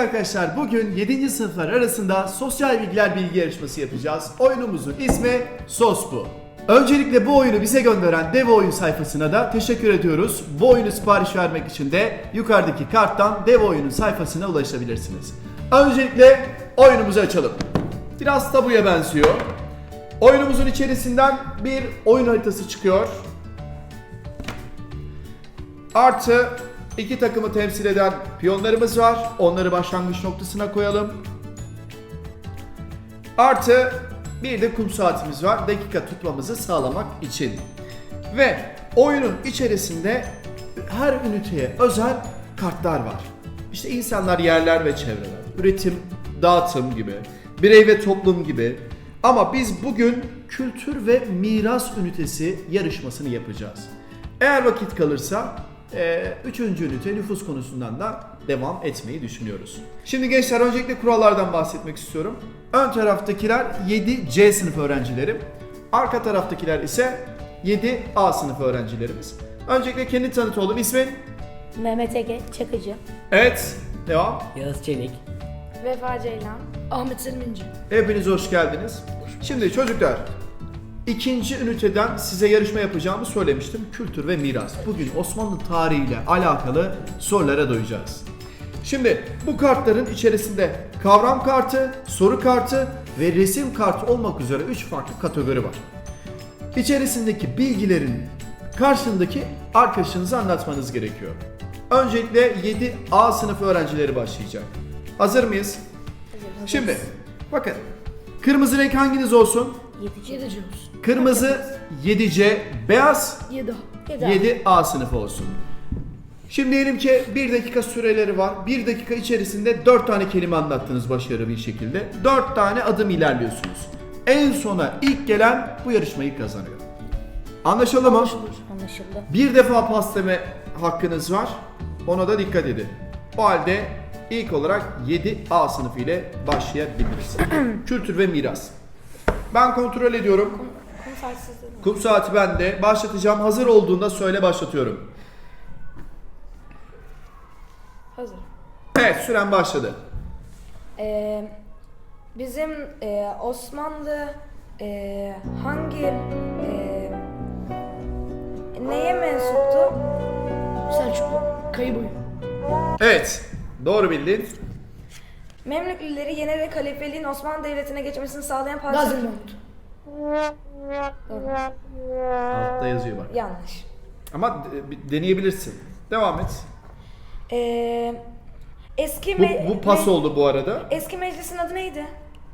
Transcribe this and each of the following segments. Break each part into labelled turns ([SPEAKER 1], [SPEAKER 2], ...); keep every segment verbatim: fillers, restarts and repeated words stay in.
[SPEAKER 1] arkadaşlar, bugün yedinci sınıflar arasında sosyal bilgiler bilgi yarışması yapacağız. Oyunumuzun ismi Sos Bu. Öncelikle bu oyunu bize gönderen Dev Oyun sayfasına da teşekkür ediyoruz. Bu oyunu sipariş vermek için de yukarıdaki karttan Dev Oyun'un sayfasına ulaşabilirsiniz. Öncelikle oyunumuzu açalım. Biraz tabuya benziyor. Oyunumuzun içerisinden bir oyun haritası çıkıyor. Artı iki takımı temsil eden piyonlarımız var. Onları başlangıç noktasına koyalım. Artı bir de kum saatimiz var. Dakika tutmamızı sağlamak için. Ve oyunun içerisinde her üniteye özel kartlar var. İşte insanlar, yerler ve çevreler, üretim, dağıtım gibi, birey ve toplum gibi. Ama biz bugün kültür ve miras ünitesi yarışmasını yapacağız. Eğer vakit kalırsa Ee, üçüncü ünite nüfus konusundan da devam etmeyi düşünüyoruz. Şimdi gençler, öncelikle kurallardan bahsetmek istiyorum. Ön taraftakiler yedi C sınıf öğrencilerim. Arka taraftakiler ise yedi A sınıf öğrencilerimiz. Öncelikle kendi tanıt oğlum, ismin?
[SPEAKER 2] Mehmet Ege Çakıcı.
[SPEAKER 1] Evet, devam.
[SPEAKER 3] Yağız Çelik.
[SPEAKER 4] Vefa Ceylan. Ahmet Selim
[SPEAKER 1] Hepiniz hoş geldiniz. Şimdi çocuklar, İkinci üniteden size yarışma yapacağımı söylemiştim. Kültür ve miras. Bugün Osmanlı tarihiyle alakalı sorulara doyacağız. Şimdi bu kartların içerisinde kavram kartı, soru kartı ve resim kartı olmak üzere üç farklı kategori var. İçerisindeki bilgilerin karşındaki arkadaşınıza anlatmanız gerekiyor. Öncelikle yedi A sınıfı öğrencileri başlayacak. Hazır mıyız?
[SPEAKER 4] Hazırız.
[SPEAKER 1] Şimdi bakın, kırmızı renk hanginiz olsun?
[SPEAKER 4] yedi C olsun.
[SPEAKER 1] Kırmızı yedi C, beyaz
[SPEAKER 4] yedi A.
[SPEAKER 1] yedi A sınıfı olsun. Şimdi diyelim ki bir dakika süreleri var. bir dakika içerisinde dört tane kelime anlattınız başarılı bir şekilde. dört tane adım ilerliyorsunuz. En sona ilk gelen bu yarışmayı kazanıyor. Anlaşıldı mı?
[SPEAKER 2] Anlaşıldı.
[SPEAKER 1] Bir defa pas deme hakkınız var. Ona da dikkat edin. O halde ilk olarak yedi A sınıfı ile başlayabiliriz. Kültür ve miras. Ben kontrol ediyorum.
[SPEAKER 4] Kum saatsiz dedim.
[SPEAKER 1] Kum saati bende. Başlatacağım. Hazır olduğunda söyle, başlatıyorum.
[SPEAKER 4] Hazır.
[SPEAKER 1] Evet, süren başladı.
[SPEAKER 4] Ee, bizim e, Osmanlı e, hangi e, neye mensuptu? Selçuklu. Kayıboyu.
[SPEAKER 1] Evet, doğru bildin.
[SPEAKER 4] Memlüklileri yenerek halifeliğin Osmanlı Devleti'ne geçmesini sağlayan padişah.
[SPEAKER 5] Gazi Mahmut.
[SPEAKER 1] Altta yazıyor bak.
[SPEAKER 4] Yanlış.
[SPEAKER 1] Ama de- bir deneyebilirsin. Devam et.
[SPEAKER 4] Ee, eski
[SPEAKER 1] Bu,
[SPEAKER 4] me-
[SPEAKER 1] bu pas
[SPEAKER 4] me-
[SPEAKER 1] oldu bu arada.
[SPEAKER 4] Eski meclisin adı neydi?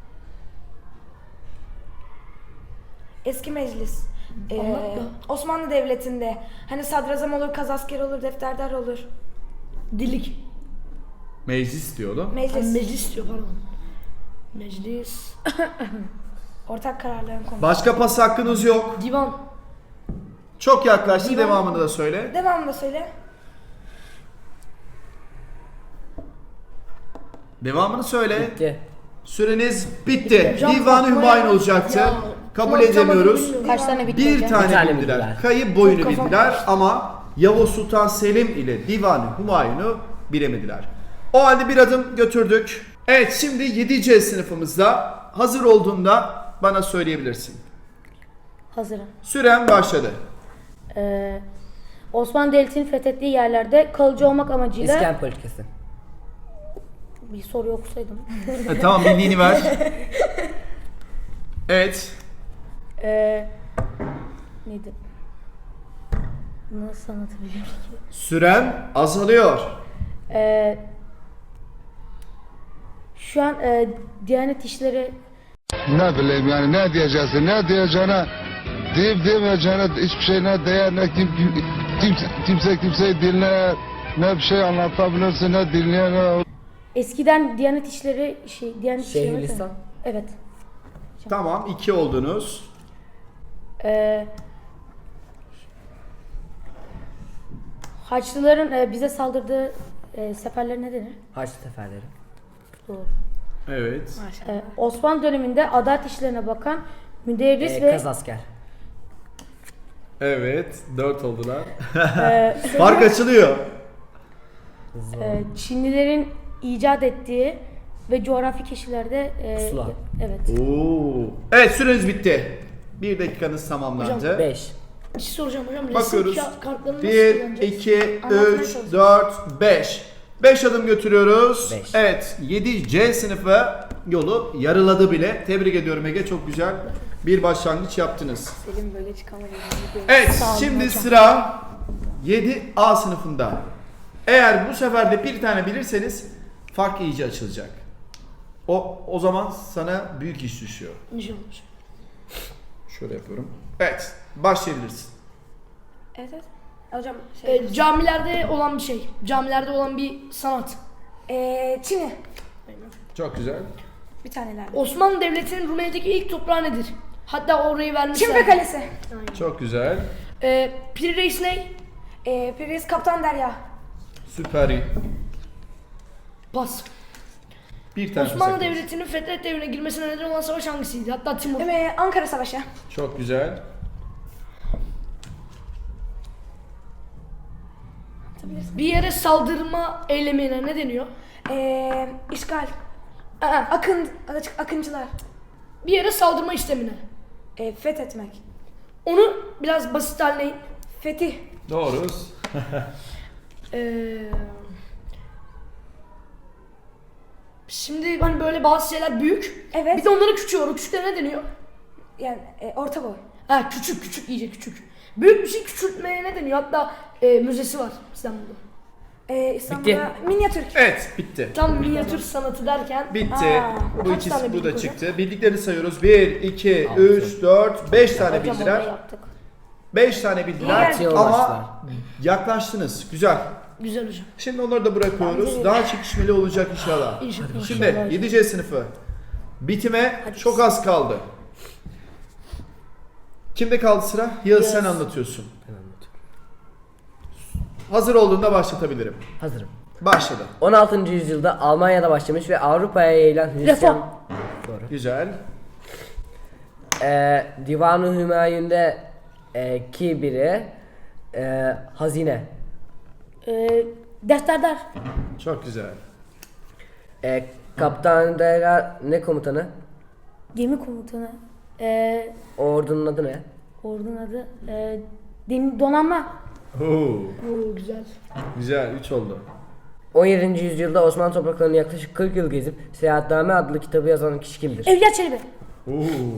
[SPEAKER 4] Eski meclis. Ee,
[SPEAKER 5] Anlat ya.
[SPEAKER 4] Osmanlı Devleti'nde hani sadrazam olur, kazasker olur, defterdar olur.
[SPEAKER 5] Dilik.
[SPEAKER 1] Meclis diyordu.
[SPEAKER 4] Meclis.
[SPEAKER 5] Meclis. Meclis diyor pardon. Meclis.
[SPEAKER 4] Ortak kararların konusu.
[SPEAKER 1] Başka pas hakkınız yok.
[SPEAKER 5] Divan.
[SPEAKER 1] Çok yaklaştın.
[SPEAKER 5] Divan.
[SPEAKER 1] Devamını da söyle.
[SPEAKER 4] Devamını da söyle.
[SPEAKER 1] Devamını söyle.
[SPEAKER 3] Bitti.
[SPEAKER 1] Süreniz bitti.
[SPEAKER 5] Hocam,
[SPEAKER 1] Divan-ı
[SPEAKER 5] kafaya-
[SPEAKER 1] Hümayun olacaktı.
[SPEAKER 5] Ya,
[SPEAKER 1] Kabul
[SPEAKER 5] kulak
[SPEAKER 1] edemiyoruz.
[SPEAKER 5] çamaşırı
[SPEAKER 2] Kaç tane bitti
[SPEAKER 1] Bir
[SPEAKER 2] hocam?
[SPEAKER 1] tane,
[SPEAKER 3] Bir tane
[SPEAKER 1] bildiler.
[SPEAKER 3] bildiler.
[SPEAKER 1] Kayıp boyunu
[SPEAKER 5] Çok kafam
[SPEAKER 1] bildiler
[SPEAKER 5] karıştı.
[SPEAKER 1] ama Yavuz Sultan Selim ile Divan-ı Hümayun'u bilemediler. O halde bir adım götürdük. Evet, şimdi yedi C sınıfımızda hazır olduğunda bana söyleyebilirsin.
[SPEAKER 2] Hazırım.
[SPEAKER 1] Süren başladı.
[SPEAKER 2] Ee, Osmanlı Devleti'nin fethettiği yerlerde kalıcı olmak amacıyla
[SPEAKER 3] İskan politikası.
[SPEAKER 2] bir soru okusaydım.
[SPEAKER 1] E, tamam, bildiğini ver. Evet.
[SPEAKER 2] Ee, neydi? Nasıl anlatabilirim ki?
[SPEAKER 1] Süren azalıyor.
[SPEAKER 2] Ee, şu an e, Diyanet İşleri
[SPEAKER 6] Ne bileyim yani, ne diyeceksin, ne diyeceğine, deyip demeyeceğine hiçbir şey ne değer, ne kim, kim, kimse, kimse kimseyi dinler, ne bir şey anlatabilirsin, ne dinleyen, ne...
[SPEAKER 2] eskiden Diyanet İşleri şey Diyanet İşleri
[SPEAKER 3] Şeyhülislam.
[SPEAKER 2] Evet.
[SPEAKER 1] Tamam, iki oldunuz.
[SPEAKER 2] Ee, Haçlıların e, bize saldırdığı e, seferler ne denir?
[SPEAKER 3] Haçlı seferleri.
[SPEAKER 2] Doğru.
[SPEAKER 1] Evet.
[SPEAKER 2] Ee, Osmanlı döneminde adalet işlerine bakan müderris
[SPEAKER 3] Ee,
[SPEAKER 2] ve
[SPEAKER 3] Kazasker.
[SPEAKER 1] Evet, dört oldular.
[SPEAKER 2] e,
[SPEAKER 1] Fark açılıyor.
[SPEAKER 2] e, Çinlilerin icat ettiği ve coğrafi keşiflerde e,
[SPEAKER 3] Pusula.
[SPEAKER 2] evet.
[SPEAKER 1] Oo. Evet, süreniz bitti. Bir dakikanız tamamlandı.
[SPEAKER 3] beş.
[SPEAKER 5] Bir şey soracağım hocam. Resim
[SPEAKER 1] Bakıyoruz.
[SPEAKER 5] ka- kartlarını nasıl
[SPEAKER 1] bir,
[SPEAKER 5] kullanacağız?
[SPEAKER 1] iki,
[SPEAKER 2] Anlatmaya
[SPEAKER 1] üç,
[SPEAKER 2] çalışıyorum.
[SPEAKER 1] dört, beş. beş adım götürüyoruz.
[SPEAKER 3] Beş.
[SPEAKER 1] Evet, yedi C sınıfı yolu yarıladı bile. Tebrik ediyorum Ege, çok güzel bir başlangıç yaptınız.
[SPEAKER 4] Selim böyle çıkamayız.
[SPEAKER 1] Evet,
[SPEAKER 2] Sağ olun
[SPEAKER 1] şimdi
[SPEAKER 2] hocam.
[SPEAKER 1] sıra yedi A sınıfında. Eğer bu sefer de bir tane bilirseniz fark iyice açılacak. O o zaman sana büyük iş düşüyor.
[SPEAKER 5] İnşallah hocam.
[SPEAKER 1] Şöyle yapıyorum. Evet, başlayabilirsin.
[SPEAKER 4] Evet evet. Hocam şey.
[SPEAKER 5] Ee, camilerde olan bir şey. Camilerde olan bir sanat.
[SPEAKER 4] Ee, Çin'i.
[SPEAKER 1] Çok güzel.
[SPEAKER 4] Bir tanelerdi.
[SPEAKER 5] Osmanlı Devleti'nin Rumeli'deki ilk toprağı nedir? Hatta orayı vermişler.
[SPEAKER 4] Çimpe Kalesi.
[SPEAKER 1] Çok güzel.
[SPEAKER 5] Ee, Piri Reis ne?
[SPEAKER 4] Ee, Priz Kaptan Derya.
[SPEAKER 1] Süper iyi.
[SPEAKER 5] Pas.
[SPEAKER 1] Bir tane
[SPEAKER 5] Osmanlı
[SPEAKER 1] sakın.
[SPEAKER 5] Devleti'nin Fetret Devri'ne girmesine neden olan savaş hangisiydi? Hatta Timur.
[SPEAKER 4] Ee, Ankara Savaşı.
[SPEAKER 1] Çok güzel.
[SPEAKER 5] Bir yere saldırma eylemine ne deniyor?
[SPEAKER 4] Ee, işgal.
[SPEAKER 5] Aa,
[SPEAKER 4] Akın, akıncılar.
[SPEAKER 5] bir yere saldırma istemine.
[SPEAKER 4] Ee, fethetmek.
[SPEAKER 5] Onu biraz basit haline...
[SPEAKER 4] Fetih.
[SPEAKER 1] Doğru.
[SPEAKER 5] Ee, şimdi hani böyle bazı şeyler büyük.
[SPEAKER 4] Evet.
[SPEAKER 5] Bir de onların küçüğü var. O küçüklere ne deniyor?
[SPEAKER 4] Yani e, orta boy.
[SPEAKER 5] Ha küçük küçük iyice küçük. Büyük bir şey küçültmeye ne deniyor? Hatta e, müzesi var İstanbul'da.
[SPEAKER 4] Ee, İstanbul'da minyatür.
[SPEAKER 1] Evet, bitti.
[SPEAKER 5] Tam minyatür sanatı derken
[SPEAKER 1] Bitti.
[SPEAKER 4] Aa,
[SPEAKER 1] bu
[SPEAKER 5] kaç
[SPEAKER 1] ikisi
[SPEAKER 5] tane
[SPEAKER 1] bu da
[SPEAKER 5] bildik
[SPEAKER 1] çıktı. Bildiklerini sayıyoruz. bir, iki, üç, dört, beş tane
[SPEAKER 2] Hocam onu
[SPEAKER 1] bildiler.
[SPEAKER 2] yaptık.
[SPEAKER 1] beş tane bildiler
[SPEAKER 4] İyi
[SPEAKER 1] ama yaklaştınız. Güzel.
[SPEAKER 5] güzel hocam.
[SPEAKER 1] Şimdi onları da bırakıyoruz. Daha çekişmeli olacak inşallah.
[SPEAKER 5] İnşallah.
[SPEAKER 1] Şimdi yedi C sınıfı. Bitime çok az kaldı. Kimde kaldı sıra? Yağız, sen anlatıyorsun.
[SPEAKER 3] Ben anlatıyorum.
[SPEAKER 1] Hazır olduğunda başlatabilirim.
[SPEAKER 3] Hazırım.
[SPEAKER 1] Başladı.
[SPEAKER 3] on altıncı yüzyılda Almanya'da başlamış ve Avrupa'ya yayılan Hristiyan...
[SPEAKER 5] Reform.
[SPEAKER 3] Doğru.
[SPEAKER 1] Güzel.
[SPEAKER 3] Ee, Divan-ı Hümayun'da e, ki biri e, hazine.
[SPEAKER 2] Ee, defterdar.
[SPEAKER 1] Çok güzel.
[SPEAKER 3] E, Kaptan Dera ne komutanı?
[SPEAKER 2] Gemi komutanı. Ee,
[SPEAKER 3] O ordunun adı ne?
[SPEAKER 2] ordunun adı. Ee, dem- donanma.
[SPEAKER 1] Oo,
[SPEAKER 5] Oo, güzel.
[SPEAKER 1] güzel. üç oldu.
[SPEAKER 3] on yedinci yüzyılda Osmanlı topraklarını yaklaşık kırk yıl gezip Seyahatname adlı kitabı yazan kişi kimdir?
[SPEAKER 2] Evliya Çelebi.
[SPEAKER 1] Oo.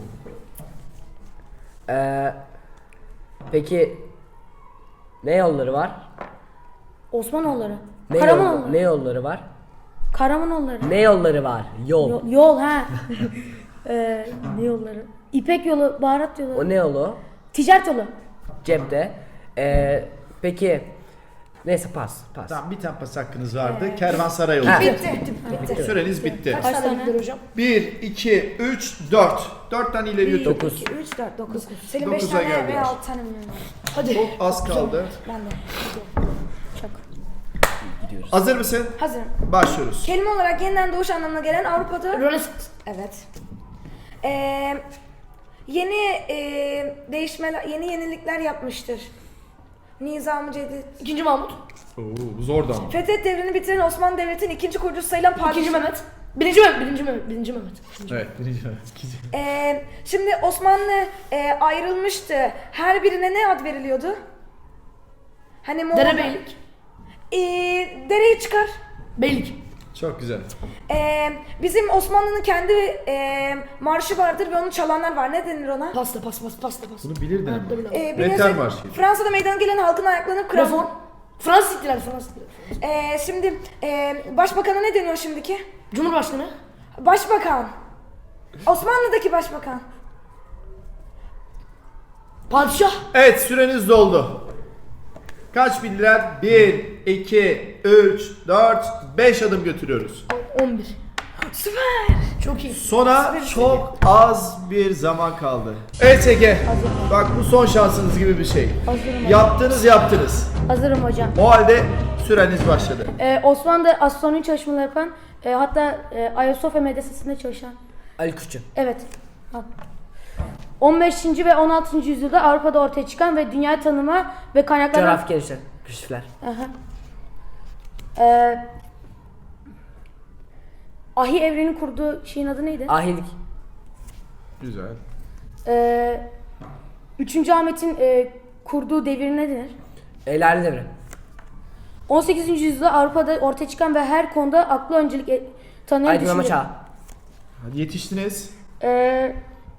[SPEAKER 3] Ee, peki ne yolları var?
[SPEAKER 2] Osmanoğulları.
[SPEAKER 3] Ne, yol,
[SPEAKER 2] Karamanoğulları.
[SPEAKER 3] ne yolları var?
[SPEAKER 2] Karamanoğulları.
[SPEAKER 3] Ne yolları var? Yol.
[SPEAKER 2] Yol, yol ha. ee, ne yolları? İpek yolu, baharat yolu.
[SPEAKER 3] O ne yolu?
[SPEAKER 2] Ticaret yolu.
[SPEAKER 3] Cepte. Ee, peki neyse pas pas.
[SPEAKER 1] Tamam, bir tane pas hakkınız vardı. Kervansaray yolu.
[SPEAKER 3] Ha.
[SPEAKER 4] Bitti. Bitti.
[SPEAKER 1] Süreniz bitti.
[SPEAKER 5] Kaç
[SPEAKER 2] Kaç
[SPEAKER 5] tane
[SPEAKER 2] tane?
[SPEAKER 5] bildiler hocam?
[SPEAKER 1] bir, iki, üç, dört. dört tane ileri götür.
[SPEAKER 3] Dokuz.
[SPEAKER 4] iki, üç, dört, dokuz. Selim beş
[SPEAKER 1] Dokuza
[SPEAKER 4] tane
[SPEAKER 1] geldiler.
[SPEAKER 4] veya altı tane bilmiyorum.
[SPEAKER 5] Hadi.
[SPEAKER 1] Çok az kaldı.
[SPEAKER 4] Ben de.
[SPEAKER 2] Çok.
[SPEAKER 1] Hazır mısın?
[SPEAKER 4] Hazırım.
[SPEAKER 1] Başlıyoruz.
[SPEAKER 4] Kelime olarak yeniden doğuş anlamına gelen Avrupa'da...
[SPEAKER 5] Rönesans.
[SPEAKER 4] Evet. Ee, yeni e, değişmeler, yeni yenilikler yapmıştır. Nizam-ı Cedid.
[SPEAKER 5] İkinci Mahmut.
[SPEAKER 1] Oo, bu zordu ama.
[SPEAKER 4] Fethet devrini bitiren Osmanlı Devleti'nin ikinci kurucusu sayılan padişah.
[SPEAKER 5] İkinci Mehmet. Birinci Mehmet. Birinci Mehmet. Birinci Mehmet.
[SPEAKER 1] Evet, birinci. ikinci.
[SPEAKER 4] Ee, şimdi Osmanlı e, ayrılmıştı. Her birine ne ad veriliyordu? Hani Moğol...
[SPEAKER 5] Derebeylik.
[SPEAKER 4] Ee, dereyi çıkar.
[SPEAKER 5] Beylik.
[SPEAKER 1] Çok güzel.
[SPEAKER 4] Ee, bizim Osmanlı'nın kendi e, marşı vardır ve onu çalanlar var. Ne denir ona?
[SPEAKER 5] Pasta pas pas pasta pas.
[SPEAKER 1] Bunu bilirdin ama.
[SPEAKER 5] Hayatta bilemem.
[SPEAKER 4] Ee,
[SPEAKER 1] Metal
[SPEAKER 4] biliyorsun,
[SPEAKER 1] marşı.
[SPEAKER 4] Fransa'da meydana gelen halkın ayaklanıp kral.
[SPEAKER 5] Reform. Fransız ihtilali. Fransız ihtilali.
[SPEAKER 4] Ee, şimdi e, başbakana ne deniyor şimdiki?
[SPEAKER 5] Cumhurbaşkanı.
[SPEAKER 4] Başbakan. Osmanlı'daki başbakan.
[SPEAKER 5] Padişah.
[SPEAKER 1] Evet, süreniz doldu. Kaç bildiler? bir, iki, üç, dört, beş adım götürüyoruz.
[SPEAKER 5] on bir.
[SPEAKER 4] Süper.
[SPEAKER 5] Çok iyi.
[SPEAKER 1] Sona çok az bir zaman kaldı. Evet Ege, bak bu son şansınız gibi bir şey.
[SPEAKER 2] Hazırım.
[SPEAKER 1] Yaptınız yaptınız.
[SPEAKER 2] Hazırım hocam.
[SPEAKER 1] O halde süreniz başladı.
[SPEAKER 2] Ee, Osmanlı'da astronomi çalışmaları yapan, e, hatta e, Ayasofya medresesinde çalışan.
[SPEAKER 3] Ali Kuşçu.
[SPEAKER 2] Evet. Al. on beşinci ve on altıncı yüzyılda Avrupa'da ortaya çıkan ve dünya tanıma ve kaynaklardan...
[SPEAKER 3] Coğrafi gelişler. Keşifler.
[SPEAKER 2] Aha. Ee, Ahi evrenin kurduğu şeyin adı neydi?
[SPEAKER 3] Ahilik.
[SPEAKER 1] Güzel.
[SPEAKER 2] Ee, üçüncü Ahmet'in e, kurduğu devir ne denir?
[SPEAKER 3] E, Lale Devri.
[SPEAKER 2] on sekizinci yüzyılda Avrupa'da ortaya çıkan ve her konuda aklı öncelik e, tanıyan
[SPEAKER 3] Aydınlanma
[SPEAKER 2] düşünce-
[SPEAKER 3] çağı.
[SPEAKER 1] Hadi yetiştiniz.
[SPEAKER 2] Ee,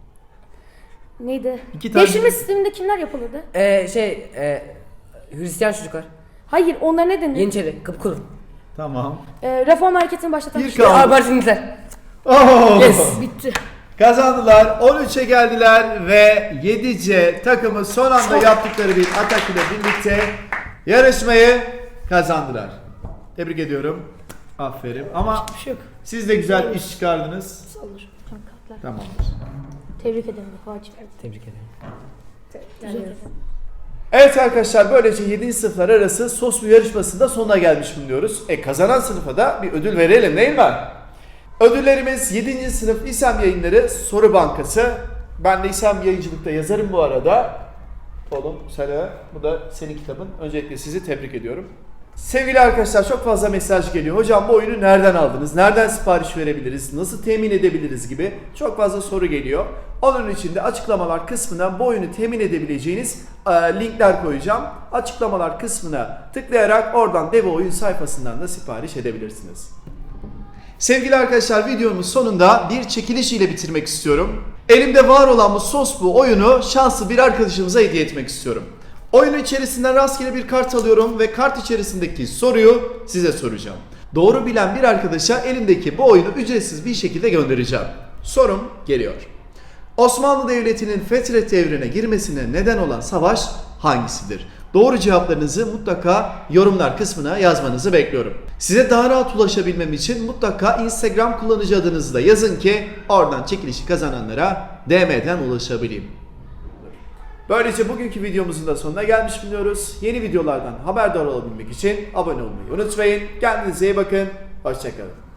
[SPEAKER 2] neydi?
[SPEAKER 1] İki tane-
[SPEAKER 2] Devşirme sisteminde kimler yapılırdı?
[SPEAKER 3] E, şey, e, Hristiyan çocuklar.
[SPEAKER 2] Hayır, onlar ne denir?
[SPEAKER 3] Yeniçeri, Kıpkulu.
[SPEAKER 1] Tamam.
[SPEAKER 2] Ee, reform hareketini başlatan
[SPEAKER 1] Bir
[SPEAKER 2] kişi.
[SPEAKER 1] kaldı.
[SPEAKER 3] Abartınızlar.
[SPEAKER 1] Oh!
[SPEAKER 3] Yes.
[SPEAKER 5] Bitti.
[SPEAKER 1] Kazandılar. on üçe geldiler ve yedi C takımı son anda yaptıkları bir atak ile birlikte yarışmayı kazandılar. Tebrik ediyorum. Aferin. Ama
[SPEAKER 5] Bir şey yok.
[SPEAKER 1] siz de güzel iş çıkardınız.
[SPEAKER 5] Saldır.
[SPEAKER 1] Tamamdır.
[SPEAKER 2] Tebrik ederim. Fatih.
[SPEAKER 3] Tebrik ederim.
[SPEAKER 2] Güzel.
[SPEAKER 1] Evet arkadaşlar, böylece yedinci sınıflar arası sos bu yarışmasında sonuna gelmiş bulunuyoruz. E kazanan sınıfa da bir ödül verelim değil mi? Ödüllerimiz yedinci sınıf İSEM Yayınları Soru Bankası. Ben de İSEM Yayıncılık'ta yazarım bu arada. Oğlum Sela, bu da senin kitabın. Öncelikle sizi tebrik ediyorum. Sevgili arkadaşlar, çok fazla mesaj geliyor. Hocam bu oyunu nereden aldınız? Nereden sipariş verebiliriz? Nasıl temin edebiliriz gibi çok fazla soru geliyor. Onun için de açıklamalar kısmına bu oyunu temin edebileceğiniz e, linkler koyacağım. Açıklamalar kısmına tıklayarak oradan Devo oyun sayfasından da sipariş edebilirsiniz. Sevgili arkadaşlar, videonun sonunda bir çekiliş ile bitirmek istiyorum. Elimde var olan bu sos bu oyunu şanslı bir arkadaşımıza hediye etmek istiyorum. Oyunun içerisinden rastgele bir kart alıyorum ve kart içerisindeki soruyu size soracağım. Doğru bilen bir arkadaşa elimdeki bu oyunu ücretsiz bir şekilde göndereceğim. Sorum geliyor. Osmanlı Devleti'nin Fetret devrine girmesine neden olan savaş hangisidir? Doğru cevaplarınızı mutlaka yorumlar kısmına yazmanızı bekliyorum. Size daha rahat ulaşabilmem için mutlaka Instagram kullanıcı adınızı da yazın ki oradan çekilişi kazananlara D M'den ulaşabileyim. Böylece bugünkü videomuzun da sonuna gelmiş bulunuyoruz. Yeni videolardan haberdar olabilmek için abone olmayı unutmayın. Kendinize iyi bakın. Hoşçakalın.